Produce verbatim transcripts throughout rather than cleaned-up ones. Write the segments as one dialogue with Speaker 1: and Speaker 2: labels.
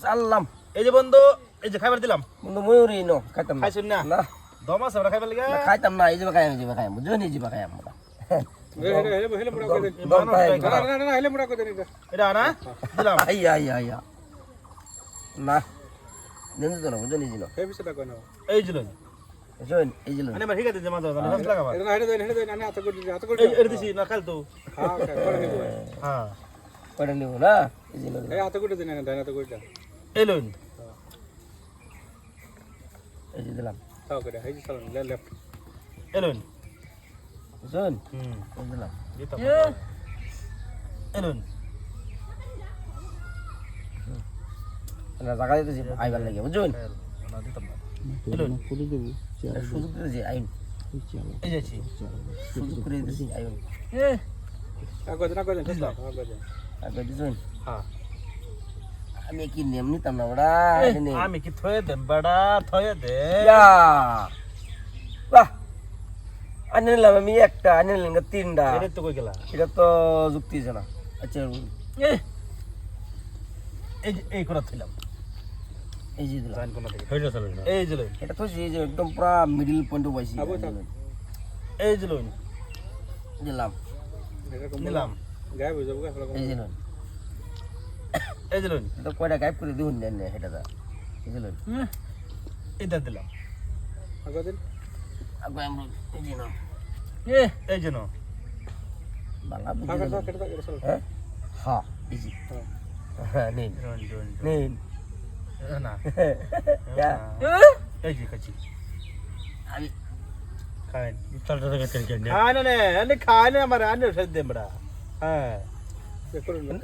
Speaker 1: চাললাম
Speaker 2: এই যে বন্ধু এই যে খাবার দিলাম
Speaker 1: বন্ধু ময়ূরই নো খাইতাম না
Speaker 2: খাইছুন না
Speaker 1: না
Speaker 2: দম আছে ওরা খাইবার লাগা
Speaker 1: না, খাইতাম না এই যে খাই এই যে খাই বুঝো নি যে খাই আমরা
Speaker 3: হেলে হেলে হেলে মুড়া করে দে
Speaker 1: দম খাই
Speaker 3: না না না হেলে মুড়া করে দে এটা
Speaker 2: এটা না দিলাম
Speaker 1: আই আই আই না নেন তো না বুঝো নি জিনো
Speaker 3: হে বিশটা কোন
Speaker 2: এই যে লই
Speaker 1: বুঝুন এই যে
Speaker 2: আনে মার হিগাতে জমা দাও না হাস লাগাবা
Speaker 3: এটা হেলে দে হেলে দে না হাত করে দে হাত করে
Speaker 2: এই
Speaker 3: দে
Speaker 2: এর দিছি না খাল তো
Speaker 3: হ্যাঁ করে নিব
Speaker 2: হ্যাঁ
Speaker 1: করে নিব না এই যে
Speaker 3: এই হাত করে দে না ডান হাত করে দে
Speaker 2: এই লই
Speaker 1: এই যে দিলাম
Speaker 3: তাও করে এই চালান লেফট
Speaker 2: এই লই
Speaker 1: বুঝুন
Speaker 2: হুম
Speaker 1: এই দিলাম
Speaker 2: দিতাম এই লই
Speaker 1: না জায়গা দিতেছি আইবার লাগে বুঝুন
Speaker 2: না দিতাম না এই লই
Speaker 1: সুযোগ দিতেছি আইন
Speaker 2: এই যাচ্ছি
Speaker 1: সুযোগ করে দিতেছি আইন
Speaker 3: আগো দে না করে দে আগো দে
Speaker 1: আগে দিছুন
Speaker 2: হ্যাঁ
Speaker 1: আমি কি নিয়ম নিতাম না বড়া
Speaker 2: আমি কি থয়ে দেম বড়া থয়ে দে
Speaker 1: ইয়া বাহ আনে নিলাম আমি একটা আনে নিলাম তিনটা
Speaker 2: এটা তো কই গেলা
Speaker 1: এটা তো যুক্তি আছে না আচ্ছা
Speaker 2: এই যে এই করা থইলাম
Speaker 1: এই যে দিলাম
Speaker 2: জান কোন থেকে হইলো চলো এই যে লই
Speaker 1: এটা তো এই যে একদম পুরা মিডল পয়েন্টে বসি
Speaker 3: আবো থাক
Speaker 2: এই যে লই
Speaker 1: দিলাম
Speaker 3: এটা কম
Speaker 2: নিলাম
Speaker 3: গায়েব হয়ে যাবো গা ফলা
Speaker 1: এই যে লই
Speaker 2: এই যে লই
Speaker 1: এটা কয়টা গায়েব করে দিউন দেন এটা দা এই যে লই
Speaker 2: এটা দিলাম
Speaker 3: আগো দে
Speaker 1: আগে আমরা এই যে না
Speaker 2: এই যে নো
Speaker 1: বালা
Speaker 3: থাক
Speaker 1: বুঝি
Speaker 3: থাক কেটে দাও এটা
Speaker 1: হ্যাঁ হ্যাঁ এই যে হ্যাঁ নিন
Speaker 2: রন রন
Speaker 1: নিন
Speaker 2: না
Speaker 1: ইয়া
Speaker 2: এই যে কাছি
Speaker 1: আমি
Speaker 2: খাইন ইফতারটা থেকে তেল কেন খায় না নে আনে খায় না আমার আনে সে দেম বড়া হ্যাঁ
Speaker 3: চেক করুন না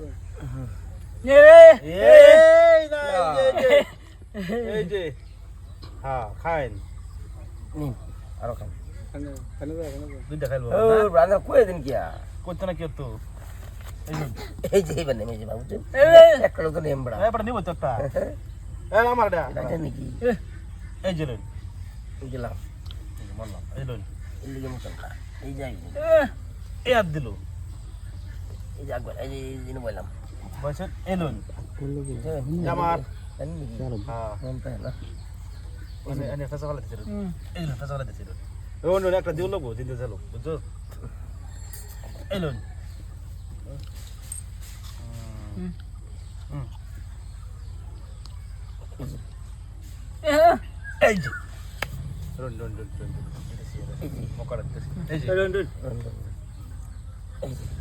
Speaker 2: এই না এই যে এই যে হ্যাঁ খাইন
Speaker 1: নিন আরো খান
Speaker 3: খানে খানে দাও খানে দাও
Speaker 2: দুইটা খাইলো
Speaker 1: ও ব্রাদার কই দিন কি
Speaker 2: করতে না কি তো এই যে
Speaker 1: এই যে বানে এই যে বাবু একটা তো নেম বড়া
Speaker 2: এই বড় নিব তো একটা এই আমার এটা
Speaker 1: এটা নাকি
Speaker 2: এই যে লই
Speaker 1: দিলাম
Speaker 2: বললাম এই লই
Speaker 1: এই যে মতন এই যে
Speaker 2: এই আর দিল
Speaker 1: এই যে একবার এই যে এই যে বললাম
Speaker 2: বসে এই লই
Speaker 1: আমার
Speaker 2: হ্যাঁ
Speaker 1: মন পায় না
Speaker 2: এনে এনে ফেসা ফেলা দিছিল এই লই ফেসা ফেলা দিছিল ও নো একটা দিও লাগবো দিতে চলো বুঝছো এই লই হুম এই যে রন রন রন রন
Speaker 1: এই যে
Speaker 2: মকড়া দিতেছি এই যে রন রন
Speaker 1: এই যে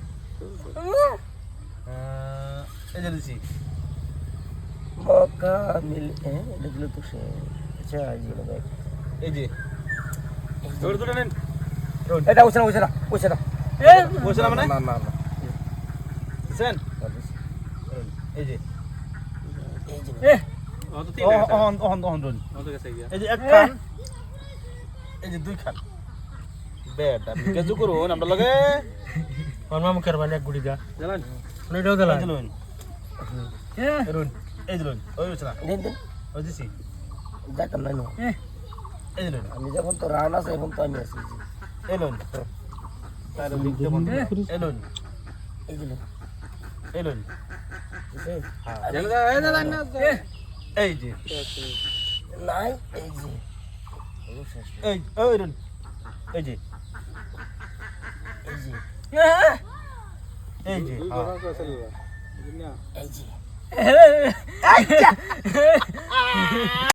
Speaker 2: এই যে দিছি
Speaker 1: মকা মিল এ দেখলে তো সে আচ্ছা এই যে ভাই
Speaker 2: এই যে দৌড় দৌড় নেন রন
Speaker 1: এটা ওছনা ওছনা ওছনা
Speaker 2: এ বসে না মানে
Speaker 1: না না না
Speaker 2: সেন এই যে
Speaker 1: এই যে
Speaker 2: এ
Speaker 3: ও তো তিন
Speaker 2: অহন অহন অহন রন
Speaker 3: ও তো গেছে গিয়া
Speaker 2: এই যে এক খান এই যে দুই খান বেটা কেজু করো আমরা লগে
Speaker 4: মামা মুখের বালে এক গুড়ি দা
Speaker 3: জানেন
Speaker 4: ওইটাও দিলা
Speaker 2: এই যে লইন রন এই যে লইন ওই বসে না
Speaker 1: দিন দিন
Speaker 2: ওই দিছি
Speaker 1: যাইতাম না নো
Speaker 2: এই যে লইন
Speaker 1: আমি যখন তো রান আছে এখন তো আমি আছি
Speaker 2: এই লইন তার লিখতে বন্ধ এই লইন
Speaker 1: এই যে
Speaker 2: এই লইন
Speaker 1: বুঝছেন?
Speaker 2: হ্যাঁ
Speaker 3: জানেন এই না না
Speaker 2: এই যে
Speaker 1: নাই এই যে
Speaker 2: এই ওই রন এই যে
Speaker 1: এই যে
Speaker 2: এই যে
Speaker 3: দুই
Speaker 2: হ্যাঁ
Speaker 3: কথা কইছিল না
Speaker 1: এই যে
Speaker 2: আচ্ছা